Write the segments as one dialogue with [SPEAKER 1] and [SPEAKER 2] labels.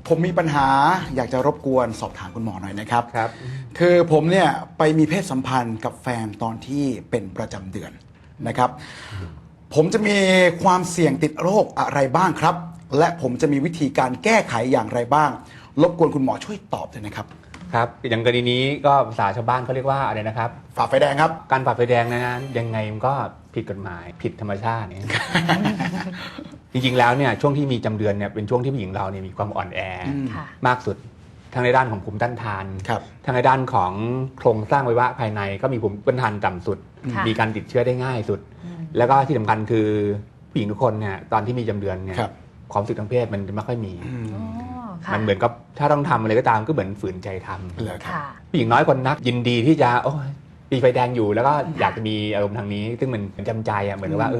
[SPEAKER 1] ผมมีปัญหาอยากจะรบกวนสอบถามคุณหมอหน่อยนะครับ
[SPEAKER 2] ครับ
[SPEAKER 1] คือผมเนี่ยไปมีเพศสัมพันธ์กับแฟนตอนที่เป็นประจำเดือนนะครับ ผมจะมีความเสี่ยงติดโรคอะไรบ้างครับ และผมจะมีวิธีการแก้ไขอย่างไรบ้าง รบกวนคุณหมอช่วยตอบด้วยนะครับ
[SPEAKER 2] ครับอย่างกรณีนี้ก็ภาษาชาวบ้านเขาเรียกว่าอะไรนะครับ
[SPEAKER 1] ฝ่าไฟแดงครับ
[SPEAKER 2] การฝ่าไฟแดงนะยังไงมันก็ผิดกฎหมายผิดธรรมชาติเนี่ย จริงๆแล้วเนี่ยช่วงที่มีจำเดือนเนี่ยเป็นช่วงที่ผู้หญิงเราเนี่ยมีความอ่อนแอ
[SPEAKER 3] ค่ะ
[SPEAKER 2] มากสุดทั้งในด้านของภูมิต้านทาน
[SPEAKER 1] ครับ
[SPEAKER 2] ทั้งในด้านของโครงสร้างอวัยวะภายในก็มีภูมิต้านทานต่ำสุด
[SPEAKER 3] ค่ะ
[SPEAKER 2] มีการติดเชื้อได้ง่ายสุด แล้วก็ที่สำคัญคือผู้หญิงทุกคนเนี่ยตอนที่มีจำเดือนเนี่ย
[SPEAKER 1] ครับ
[SPEAKER 2] ความรู้สึกทางเพศมันจะไม่ค่อยมี
[SPEAKER 3] อ๋อค่ะ
[SPEAKER 2] มันเหมือนกับถ้าต้องทำอะไรก็ตามก็เหมือนฝืนใจทำ
[SPEAKER 1] เหรอครับ
[SPEAKER 3] ค่ะ
[SPEAKER 2] ผู้หญิงน้อยคนนักยินดีที่จะโอ้ยมีไฟแดงอยู่แล้วก็อยากจะมีอารมณ์ทางนี้ ซึ่งมันจำใจอ่ะเหมือนกับว่าย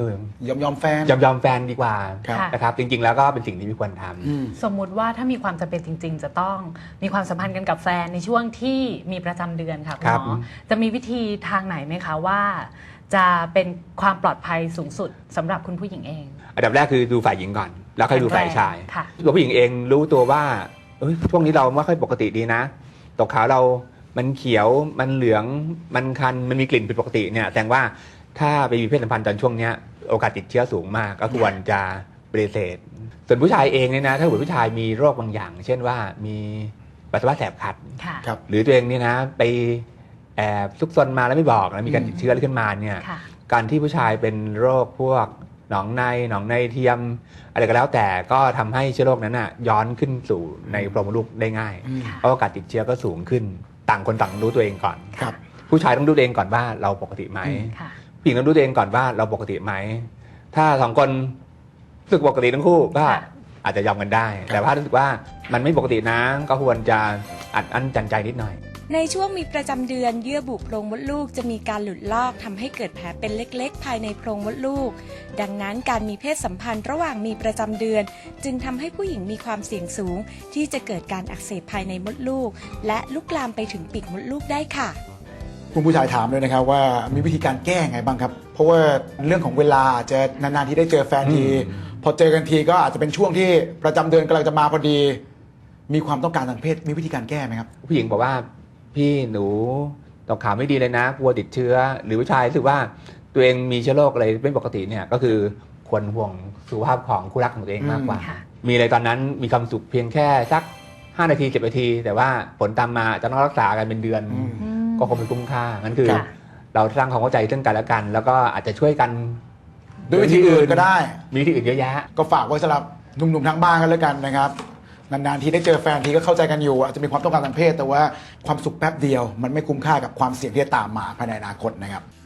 [SPEAKER 1] อมแฟน
[SPEAKER 2] ยอมแฟนดีกว่า
[SPEAKER 1] ครับ
[SPEAKER 2] นะครับจริงๆแล้วก็เป็นสิ่งที่ไม่ควรทำ
[SPEAKER 1] อืม
[SPEAKER 3] สมมุติว่าถ้ามีความจำเป็นจริง ๆ จะต้องมีความสัมพันธ์กันกับแฟนในช่วงที่มีประจำเดือนค่ะคุณ
[SPEAKER 2] ครับ
[SPEAKER 3] หมอจะมีวิธีทางไหนไหมคะว่า จะเป็นความปลอดภัยสูงสุดสำหรับคุณผู้หญิงเอง
[SPEAKER 2] อันดับแรกคือดูฝ่ายหญิงก่อน แล้วค่อยดูฝ่ายชาย
[SPEAKER 3] ค่ะ
[SPEAKER 2] ตัวผู้หญิงเองรู้ตัวว่าช่วงนี้เราไม่ค่อยปกติดีนะตกขาวเรามันเขียวมันเหลืองมันคันมันมีกลิ่นผิดปกติเนี่ยแสดงว่าถ้าไปมีเพศสัมพันธ์ตอนช่วงเนี้ยโอกาสติดเชื้อสูงมากก็ควรจะปฏิเสธส่วนผู้ชายเองเนี่ยนะถ้าเกิดผู้ชายมีโรคบางอย่าง เช่นว่ามีปัสสาวะแสบขัด
[SPEAKER 3] ค่ะ
[SPEAKER 1] ครับ
[SPEAKER 2] หรือตัวเองเนี่ยนะไปแอบซุกซนมาแล้วไม่บอกแล้วมีการติดเชื้ออะไรขึ้นมาเนี่ย
[SPEAKER 3] ค่ะ
[SPEAKER 2] การที่ผู้ชายเป็นโรคพวกหนองในเทียม อะไรก็แล้วแต่ก็ทำให้เชื้อโรคนั้นน่ะย้อนขึ้นสู่ในโพรงมดลูกได้ง่าย
[SPEAKER 1] อืม
[SPEAKER 2] เพราะโอกาสติดเชื้อก็สูงขึ้น ต่างคนต่างรู้ตัวเองก่อน
[SPEAKER 1] ครับ
[SPEAKER 2] ผู้ชายต้องรู้ตัวเองก่อนว่าเราปกติไหม
[SPEAKER 3] ค่ะ
[SPEAKER 2] ผู้หญิงต้องรู้ตัวเองก่อนว่าเราปกติไหมถ้าสองคนรู้สึกปกติทั้งคู่ก็
[SPEAKER 3] ค่ะ
[SPEAKER 2] อาจจะยอมกันได้ แต่ถ้ารู้สึกว่ามันไม่ปกตินะก็ควรจะอัดอั้นตันใจนิดหน่อย
[SPEAKER 4] ในช่วงมีประจำเดือนเยื่อบุโพรงมดลูกจะมีการหลุดลอกทำให้เกิดแผลเป็นเล็กๆ ภายในโพรงมดลูก ดังนั้นการมีเพศสัมพันธ์ระหว่างมีประจำเดือน จึงทำให้ผู้หญิงมีความเสี่ยงสูง ที่จะเกิดการอักเสบภายในมดลูก และลุกลามไปถึงปีกมดลูกได้ค่ะ
[SPEAKER 1] คุณผู้ชายถามเลยนะครับว่ามีวิธีการแก้ไงบ้างครับ เพราะว่าเรื่องของเวลาอาจจะนานๆที่ได้เจอแฟนที พอเจอกันทีก็อาจจะเป็นช่วงที่ประจำเดือนกำลังจะมาพอดี มีความต้องการทางเพศมีวิธีการแก้ไหมครับ
[SPEAKER 2] ผู้หญิงบอกว่าพี่หนูตกขาวไม่ดีเลยนะกลัวติดเชื้อ หรือผู้ชายรู้สึกว่าตัวเองมีเชื้อโรคอะไรไม่ปกติเนี่ยก็คือควรห่วงสุขภาพของคู่รักของตัวเองมากกว่า
[SPEAKER 3] ค่ะ
[SPEAKER 2] มีอะไรตอนนั้นมีความสุขเพียงแค่สัก5 นาที10 นาที แต่ว่าผลตามมาจะต้องรักษากันเป็นเดือน
[SPEAKER 1] อืม
[SPEAKER 2] ก็คงไม่คุ้มค่างั้นคือ
[SPEAKER 3] ค่ะ
[SPEAKER 2] เราสร้างความเข้าใจซึ่งกันและกัน แล้วก็อาจจะช่วยกัน
[SPEAKER 1] ด้วยวิธีอื่นก็ได้
[SPEAKER 2] มีวิธีอื่นเยอะแยะ
[SPEAKER 1] ก็ฝากไว้สำหรับหนุ่มๆทั้งบ้านกันแล้วกันนะครับนานๆทีได้เจอแฟนทีก็เข้าใจกันอยู่อาจจะมีความต้องการทางเพศ แต่ว่าความสุขแป๊บเดียว มันไม่คุ้มค่ากับความเสี่ยงที่จะตามมาภายในอนาคตนะครับ